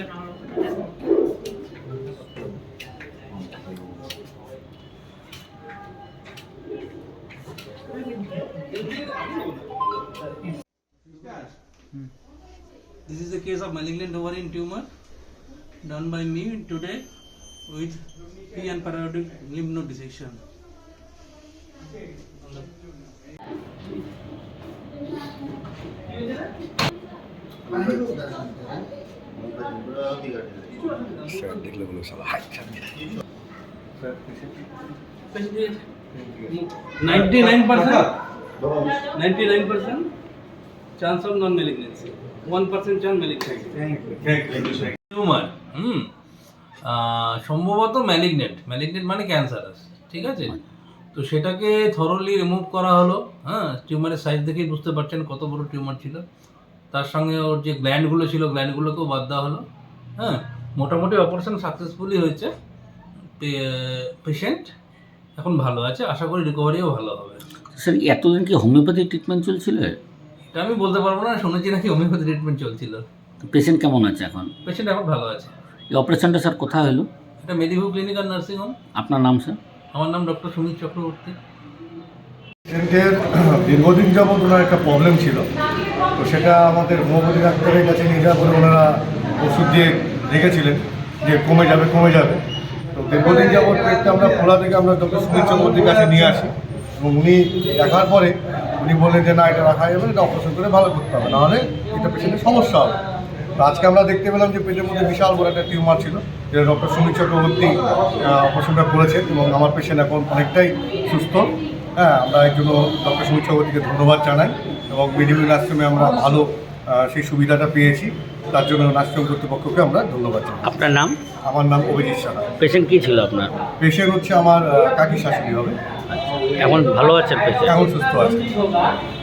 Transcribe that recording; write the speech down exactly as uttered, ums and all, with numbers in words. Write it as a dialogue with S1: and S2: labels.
S1: This is the case of malignant ovarian tumor done by me today with P and periodic lymph node dissection. ninety-nine percent ninety-nine percent chance of non-malignancy, one percent chance malignancy. Tumour হুম সম্ভবত malignant malignant মানে cancerous, ঠিক আছে। তো সেটাকে thoroughly remove করা হলো। হ্যাঁ, টিউমারের সাইজ দেখেই বুঝতে পারছেন কত বড় টিউমার ছিল। তার সঙ্গে ওর যে গ্ল্যান্ডগুলো ছিল গ্ল্যান্ডগুলোকেও বাদ দেওয়া হলো। হ্যাঁ, মোটামুটি অপারেশন সাকসেসফুলি হয়েছে। পেশেন্ট এখন ভালো আছে, আশা করি রিকভারিও ভালো হবে।
S2: স্যার, এতদিন কি হোমিওপ্যাথি ট্রিটমেন্ট চলছিল?
S1: এটা আমি বলতে পারবো না, শুনেছি নাকি হোমিওপ্যাথি ট্রিটমেন্ট চলছিল।
S2: পেশেন্ট কেমন আছে এখন?
S1: পেশেন্ট এখন ভালো আছে।
S2: এই অপারেশনটা স্যার কোথায় হলো?
S1: এটা মেদিভু ক্লিনিক আর নার্সিং হোম।
S2: আপনার নাম স্যার?
S1: আমার নাম ডক্টর সুমিত চক্রবর্তী।
S3: পেশেন্টের দীর্ঘদিন যাবৎ ওনার একটা প্রবলেম ছিল, তো সেটা আমাদের হোমিওপ্যাথি ডাক্তারের কাছে নিয়ে যাওয়ার পরে ওনারা ওষুধ দিয়ে রেখেছিলেন যে কমে যাবে কমে যাবে তো দীর্ঘদিন যাবৎ পেটটা আমরা খোলা থেকে আমরা ডক্টর সুমিত চক্রবর্তীর কাছে নিয়ে আসি এবং উনি দেখার পরে উনি বললেন যে না, এটা রাখা যাবে, এটা অপারেশন করে ভালো করতে হবে, নাহলে এটা পেশেন্টের সমস্যা হবে। তো আজকে আমরা দেখতে পেলাম যে পেটের মধ্যে বিশাল বড় একটা টিউমার ছিল, যেটা ডক্টর সুমিত চক্রবর্তী অপারেশনটা করেছেন এবং আমার পেশেন্ট এখন অনেকটাই সুস্থ। হ্যাঁ, আমরা এই জন্য ডক্টর সুমিত চক্রবর্তীকে ধন্যবাদ জানাই এবং মেডিকেল নার্সিংহোমে আমরা ভালো সেই সুবিধাটা পেয়েছি, তার জন্য নার্সিংহোম কর্তৃপক্ষকে আমরা ধন্যবাদ জানাই।
S2: আপনার নাম?
S3: আমার নাম অভিজিৎ সাহা।
S2: পেশেন্ট কী ছিল আপনার?
S3: পেশেন্ট হচ্ছে আমার কাকি শাশুড়ি হবে।
S2: এখন ভালো আছেন পেশেন্ট?
S3: এখন সুস্থ আছে।